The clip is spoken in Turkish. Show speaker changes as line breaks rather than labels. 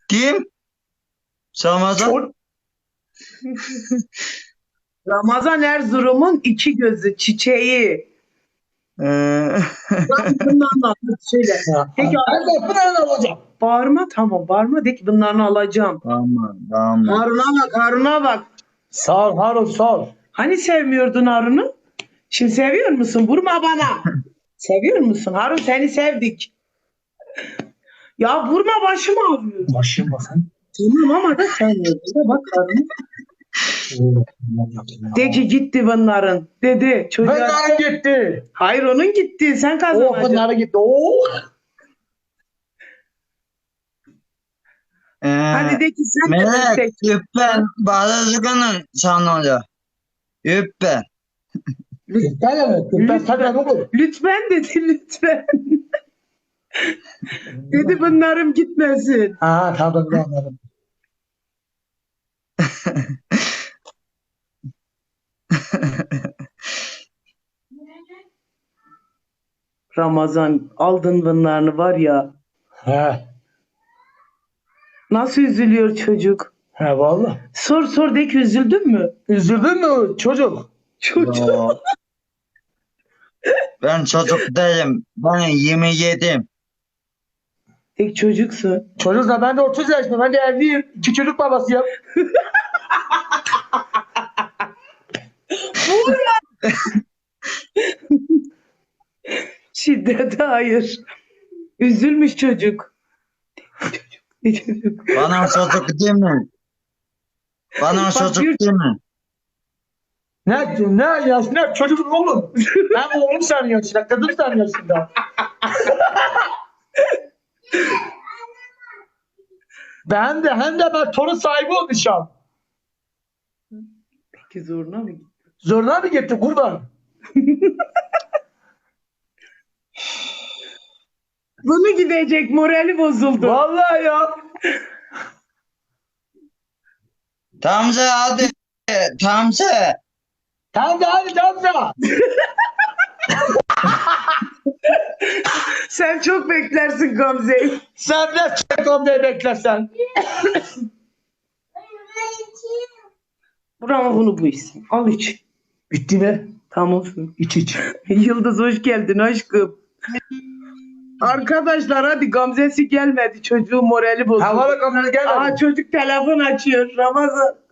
Kim? Ramazan.
Çor- Ramazan Erzurum'un iki gözü çiçeği.
Ee,
Bundan da söyle. Peki
Ben de Pınar'ını alacağım.
bağırma, tamam bağırma, de ki bunlarını alacağım.
tamam.
Harun'a bak, Harun'a bak.
Sağ ol Harun sağ ol.
Hani sevmiyordun Harun'u? Şimdi seviyor musun? Vurma bana. Seviyor musun? Harun, seni sevdik. Ya vurma, başım ağrıyor.
Başım bakın.
Tamam ama da sevmiyordun. Da bak Harun. De ki gitti bunların. Dedi çocuğa.
Pınar'ın gitti.
Hayır, onun gitti. Sen
Oh
kazanacaksın.
Pınar'ın gitti. Oh.
Hadi de ki sen de
Melek,
destek.
üppen bağırızgının sanıyor. Üppen.
Lütfen mi? Lütfen sen ne olur?
Lütfen dedi, lütfen. Dedi bunlarım gitmesin.
Ha tamam anladım.
Ramazan, aldın bunlarını var ya.
He.
Nasıl üzülüyor çocuk?
He valla.
Sor de ki üzüldün mü?
Üzüldün mü çocuk?
Çocuk.
Yo. Ben çocuk değilim. Ben 27'yim.
Tek çocuksun.
Çocuk da ben de 30 yaşındayım. Ben de evliyim. 2 çocuk babasıyım.
Şiddete hayır. Üzülmüş çocuk. Ne çocuk?
Bana çocuk değil mi? Bana
Bak,
çocuk
bir-
değil mi?
Ne yaş ne çocuk oğlum. Ben oğlum senin yaşında. Kızım senin yaşında. hem de ben torun sahibi olmuşum.
Peki zoruna mı gitti?
Zoruna mı gitti kurban?
Bunu gidecek, morali bozuldu.
Vallahi ya.
Tamze hadi. Tamze.
Tamam da hadi tamam da.
Sen çok beklersin Gamze'yi.
Sen de çekom diye beklersen.
Ama bunu bu isim. Al iç.
Bitti mi?
Tamam.
İç.
Yıldız hoş geldin aşkım. Arkadaşlar hadi, Gamze'si gelmedi. Çocuğun morali bozuldu.
Havalı kameraya gelmedi.
Aa, çocuk telefon açıyor. Ramazan.